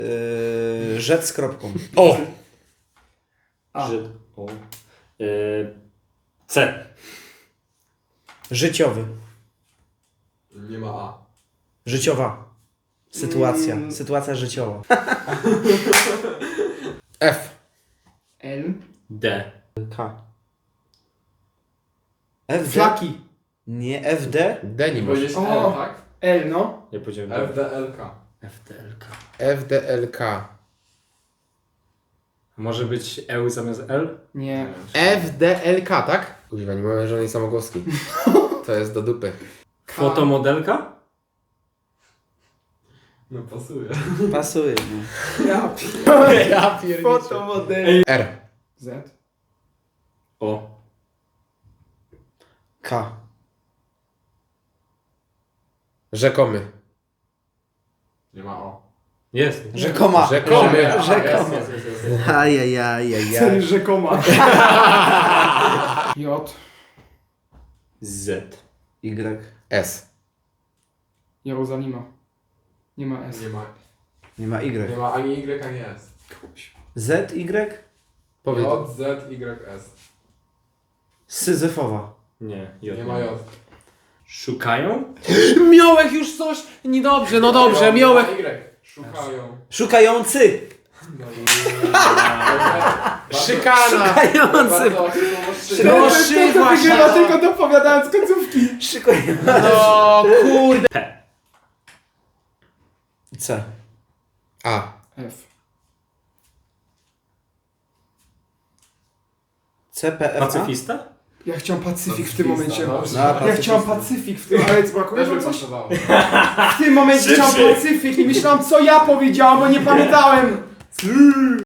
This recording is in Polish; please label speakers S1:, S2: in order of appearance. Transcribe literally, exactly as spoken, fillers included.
S1: Yy, rzec z kropką.
S2: O!
S3: A.
S4: Żyd. O. Yy, C.
S1: Życiowy.
S2: Nie ma A.
S1: Życiowa. Sytuacja.
S3: Mm.
S1: Sytuacja życiowa.
S2: F.
S3: L.
S4: D.
S1: K. F D?
S3: Flaki.
S1: Nie, F D?
S2: D nie masz.
S5: Powiedzieć
S3: O.
S5: L, tak?
S3: L, no.
S4: Ja powiedziałem
S5: F
S4: D.
S5: D L K.
S4: F D L K.
S2: F, D, L, K.
S4: Może być E zamiast L?
S3: Nie.
S2: F, D, L, K, tak? Używa, nie mamy żadnej samogłoski. To jest do dupy.
S4: Fotomodelka?
S5: No pasuje.
S1: Pasuje. No.
S3: Ja
S2: Ja pierniczę.
S3: Fotomodel.
S2: R.
S3: Z.
S4: O.
S1: K.
S2: Rzekomy.
S5: Nie ma O.
S4: Jest.
S1: Rzekoma.
S2: Rzekomy.
S5: Jest,
S1: Rzekoma.
S5: jest, jest, jest, jest.
S1: Ajajajajaj.
S3: Cel rzekoma. J.
S4: Z.
S1: Y.
S2: S.
S3: Jerozolima. Nie ma S.
S5: Nie ma,
S1: Nie ma
S5: nie
S1: Y.
S5: ma ani Y, ani S.
S1: Z, Y?
S2: Powiedz.
S5: J, Z, Y, S.
S1: Syzyfowa.
S4: Nie. J.
S5: Nie ma J.
S4: Szukają?
S2: Miałek już coś! Niedobrze, no dobrze,
S5: J,
S2: miałek.
S5: nie ma Y. Szukają.
S1: Szukający.
S5: No i...
S2: Szykana.
S1: Szukający.
S5: Bardzo łatwe słowo szyka.
S2: No,
S3: to
S2: szy
S3: to
S2: właśnie.
S3: wygrywa tylko dopowiadając końcówki.
S1: Szykujący.
S2: No kurde.
S4: P.
S1: C.
S2: A.
S3: F.
S1: C, P, F, A?
S4: Pacyfista?
S3: Ja chciałem Pacyfik w tym momencie.
S5: No,
S1: No,
S3: Ja
S1: Pacyfista.
S3: chciałem Pacyfik w tym, ale brakuje
S5: Też by
S3: coś?
S5: pasowało.
S3: W tym momencie chciałem Pacyfik i myślałem co ja powiedziałem, bo nie pamiętałem.